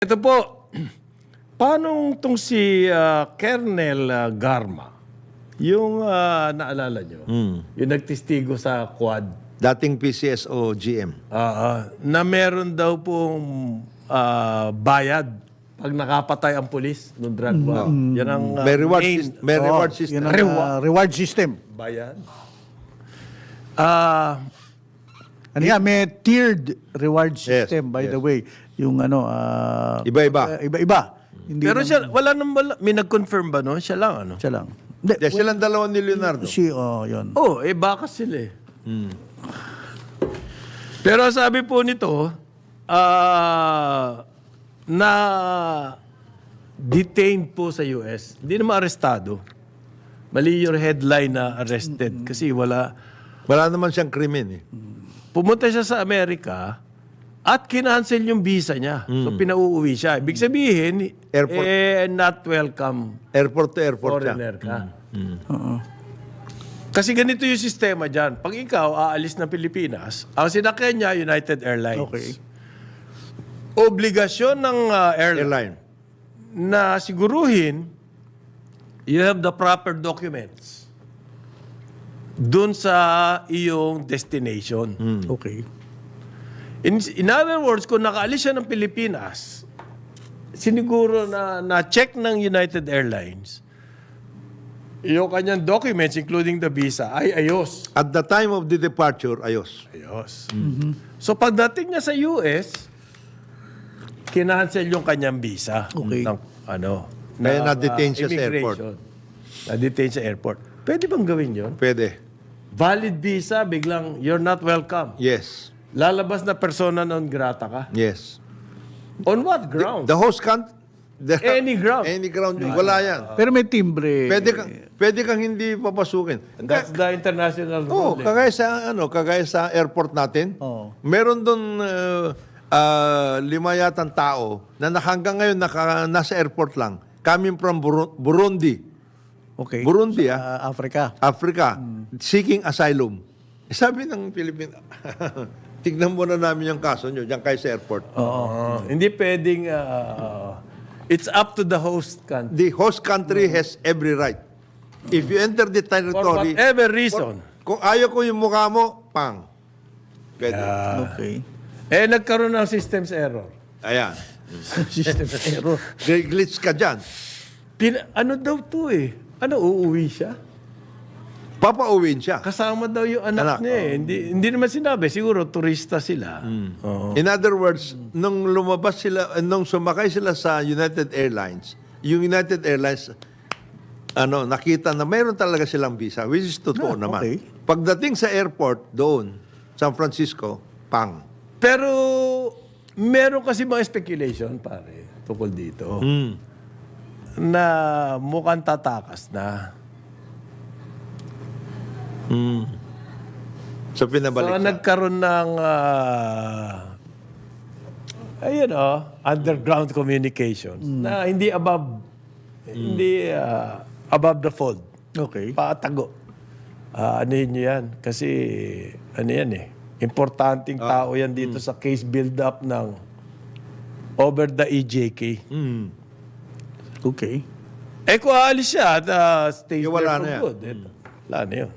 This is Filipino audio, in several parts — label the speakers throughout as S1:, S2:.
S1: Ito po, paano itong si Colonel Garma, yung naalala nyo, yung nagtistigo sa Quad,
S2: Dating PCSO GM.
S1: na meron daw pong bayad pag nakapatay ang pulis ng drug war. Yan ang
S2: May reward,
S1: main
S2: may reward system.
S3: Yun ang reward system.
S1: bayad.
S3: Ano yan, may tiered reward
S2: Yes,
S3: system, by
S2: yes.
S3: the way. Yung ano,
S2: Iba-iba.
S3: iba-iba. Hindi
S1: Pero
S3: lang-
S1: siya, wala may nag-confirm ba no? Siya lang ano?
S3: siya lang. Hindi,
S2: Yes, silang dalawa ni Leonardo.
S3: yun.
S1: Oh, baka sila eh. Pero sabi po nito, na detained po sa US. Hindi naman arestado. Mali yung headline na arrested kasi wala.
S2: Wala naman siyang krimen eh.
S1: Pumunta siya sa Amerika at kinancel yung visa niya. So pinauuwi siya. Ibig sabihin,
S2: Airport.
S1: not welcome
S2: Airport to airport siya.
S1: foreigner ka.
S3: Oo.
S1: Kasi ganito yung sistema dyan. Pag ikaw aalis ng Pilipinas, ang sinakyan niya, United Airlines.
S3: Okay.
S1: Obligasyon ng airline
S2: Airline.
S1: na siguruhin you have the proper documents dun sa iyong destination.
S3: Okay.
S1: In other words, kung nakaalis siya ng Pilipinas, siniguro na check ng United Airlines, yung kanyang documents, including the visa, ay ayos.
S2: At the time of the departure, ayos.
S1: Ayos. So pagdating niya sa US, kinancel yung kanyang visa.
S3: Okay.
S1: Ng,
S2: Kaya
S1: ng,
S2: na-detain siya sa airport.
S1: immigration. Na-detain sa airport. Pwede bang gawin yun?
S2: Pwede.
S1: Valid visa, biglang you're not welcome.
S2: Yes.
S1: Lalabas na persona non grata ka.
S2: Yes.
S1: On what ground?
S2: The host country.
S1: Any ground.
S2: Any ground. Wala yan.
S3: Pero may timbre.
S2: Pwede kang hindi papasukin.
S1: That's the international
S2: Oo,
S1: rule.
S2: kagaya sa airport natin.
S3: Oo.
S2: Meron doon 5 yatang tao na hanggang ngayon nasa airport lang. Coming from Burundi.
S3: Okay.
S2: Burundi,
S3: Africa.
S2: Africa, seeking asylum. Sabi ng Pilipinas, tignan muna namin yung kaso nyo diyan kayo sa airport.
S1: Hindi pwedeng it's up to the host country.
S2: The host country has every right. If you enter the
S1: For
S2: territory,
S1: whatever reason.
S2: kung ayaw ko yung mukha mo, pang. Pwede.
S3: Okay.
S1: Nagkaroon ng systems error.
S2: Ayan.
S3: System error.
S2: Glitch ka dyan.
S1: Ano daw to eh? Uuwi siya?
S2: Papauwiin siya.
S1: Kasama daw yung anak
S2: Anak,
S1: niya eh. Hindi naman sinabi. Siguro turista sila. Oo.
S2: In other words, nung lumabas sila, nung sumakay sila sa United Airlines, yung United Airlines, nakita na mayroon talaga silang visa, which is totoo naman.
S3: okay.
S2: Pagdating sa airport doon, San Francisco, pang.
S1: Pero meron kasi mga speculation, pare, tungkol dito. Na mukhang tatakas na.
S2: So pinabalik
S1: So,
S2: siya.
S1: nagkaroon ng underground communications na hindi above the fold.
S3: Okay.
S1: Patago. Anuhin nyo yan. Kasi, yan eh. Importanteng tao yan dito sa case build-up ng over the EJK.
S3: Okay.
S1: Kung aalis siya at stays
S2: Wala
S1: there for
S2: na yan.
S1: good. Wala na yun.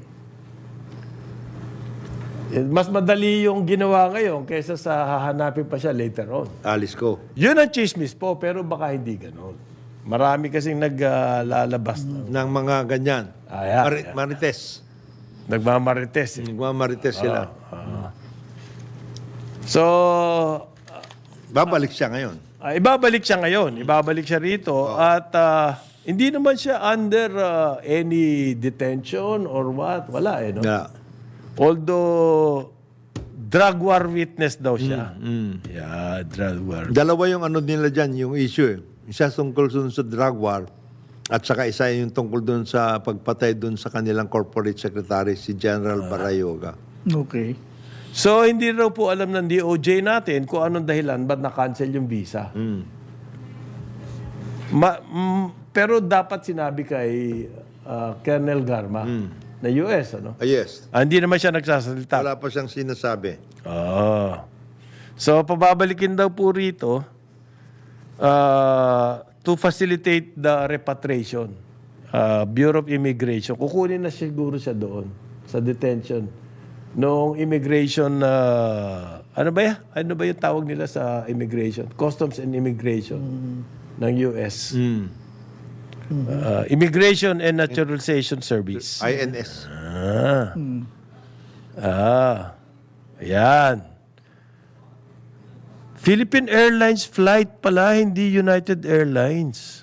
S1: Mas madali yung ginawa ngayon kaysa sa hahanapin pa siya later on.
S2: Alis ko.
S1: Yun ang chismis po, pero baka hindi ganon. Marami kasing naglalabas na.
S2: Ng mga ganyan.
S1: Ayan.
S2: Marites.
S1: Nagmamarites. Eh.
S2: Nagmamarites sila.
S1: So,
S2: Babalik siya ngayon.
S1: ibabalik siya ngayon. Ibabalik siya rito. At hindi naman siya under any detention or what. Wala eh, no?
S2: Yeah.
S1: Although, drug war witness daw siya. Yeah, drug war.
S2: Dalawa yung nila dyan, yung issue eh. Isa tungkol dun sa drug war at saka isa yung tungkol dun sa pagpatay dun sa kanilang corporate secretary, si General Barayoga.
S3: Okay.
S1: So, hindi raw po alam ng DOJ natin kung anong dahilan ba't na-cancel yung visa. Pero dapat sinabi kay Colonel Garma na US, ano?
S2: Yes.
S1: Hindi naman siya nagsasalita.
S2: Wala pa siyang sinasabi.
S1: So, pababalikin daw po rito to facilitate the repatriation. Bureau of Immigration. Kukunin na siguro siya doon sa detention. Noong immigration, ano ba yan? Ano ba yung tawag nila sa immigration? Customs and Immigration ng US. Immigration and Naturalization Service.
S2: INS.
S1: Ayan. Philippine Airlines flight pala, hindi United Airlines.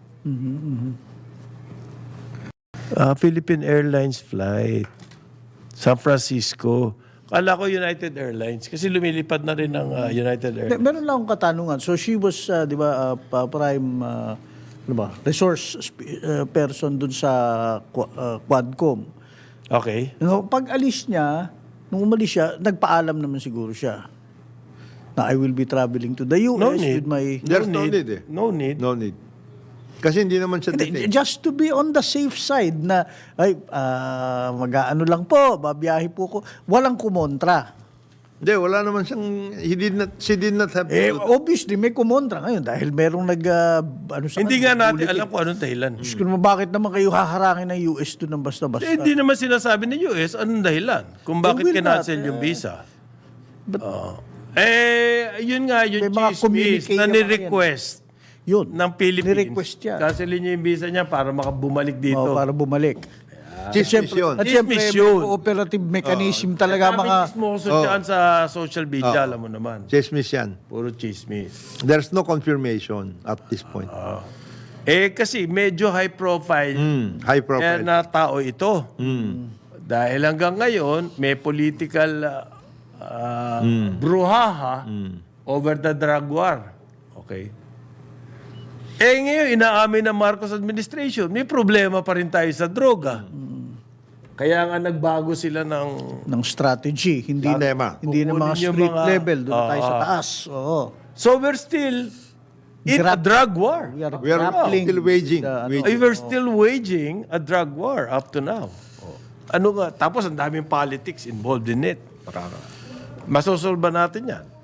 S1: Philippine Airlines flight. San Francisco. Kala ko United Airlines kasi lumilipad na rin ng United Airlines.
S3: Meron lang akong katanungan. So she was, di ba, prime ano ba, resource person dun sa Quadcom.
S1: Okay.
S3: Pag alis niya, nung umalis siya, nagpaalam naman siguro siya na I will be traveling to the US
S1: No need.
S3: with my...
S2: There's no need eh.
S1: No need.
S2: No need. Kasi hindi naman siya detained.
S3: Just to be on the safe side na, ay, mag-ano lang po, babiyahe po ko. Walang kumontra.
S2: Hindi, wala naman siyang, she did not have to.
S3: Obviously, may kumontra ngayon dahil merong ano sa
S1: Hindi nga natin alam kung anong dahilan.
S3: Diyos ko naman, bakit naman kayo haharangin ng US doon ng basta-basta?
S1: Hindi naman sinasabi ng US anong dahilan kung bakit
S3: will not,
S1: kinancel yung visa.
S3: but-
S1: Yun nga, yung
S3: May mga
S1: chismis
S3: communique
S1: na
S3: naman
S1: ni-request
S3: Yun.
S1: ng Philippines.
S3: Ni-request niya.
S1: Cancelin niya yung visa niya para makabumalik dito.
S3: Para bumalik.
S2: Chismis yun.
S3: At siyempre,
S1: Chismis
S3: may
S1: yun.
S3: cooperative mechanism talaga
S1: Daming
S3: mga...
S1: chismoso dyan sa social media, alam mo naman.
S2: Chismis yan.
S1: Puro chismis.
S2: There's no confirmation at this point.
S1: Kasi medyo high profile
S2: High profile.
S1: na tao ito. Dahil hanggang ngayon, may political bruhaha over the drug war. Okay? Ngayon, inaamin ng Marcos administration, may problema pa rin tayo sa droga. Kaya nga nagbago sila ng
S3: strategy. Hindi
S2: Tema.
S3: hindi na mga
S1: Kukunin yung
S3: street
S1: mga-
S3: level. Doon tayo sa taas. Oo.
S1: So we're still in a drug war.
S3: We are
S2: We are
S3: grappling
S2: still waging.
S3: with the,
S2: Waging.
S1: We're still waging a drug war up to now. Ano nga? Tapos ang daming politics involved in it. Masosolve ba natin yan?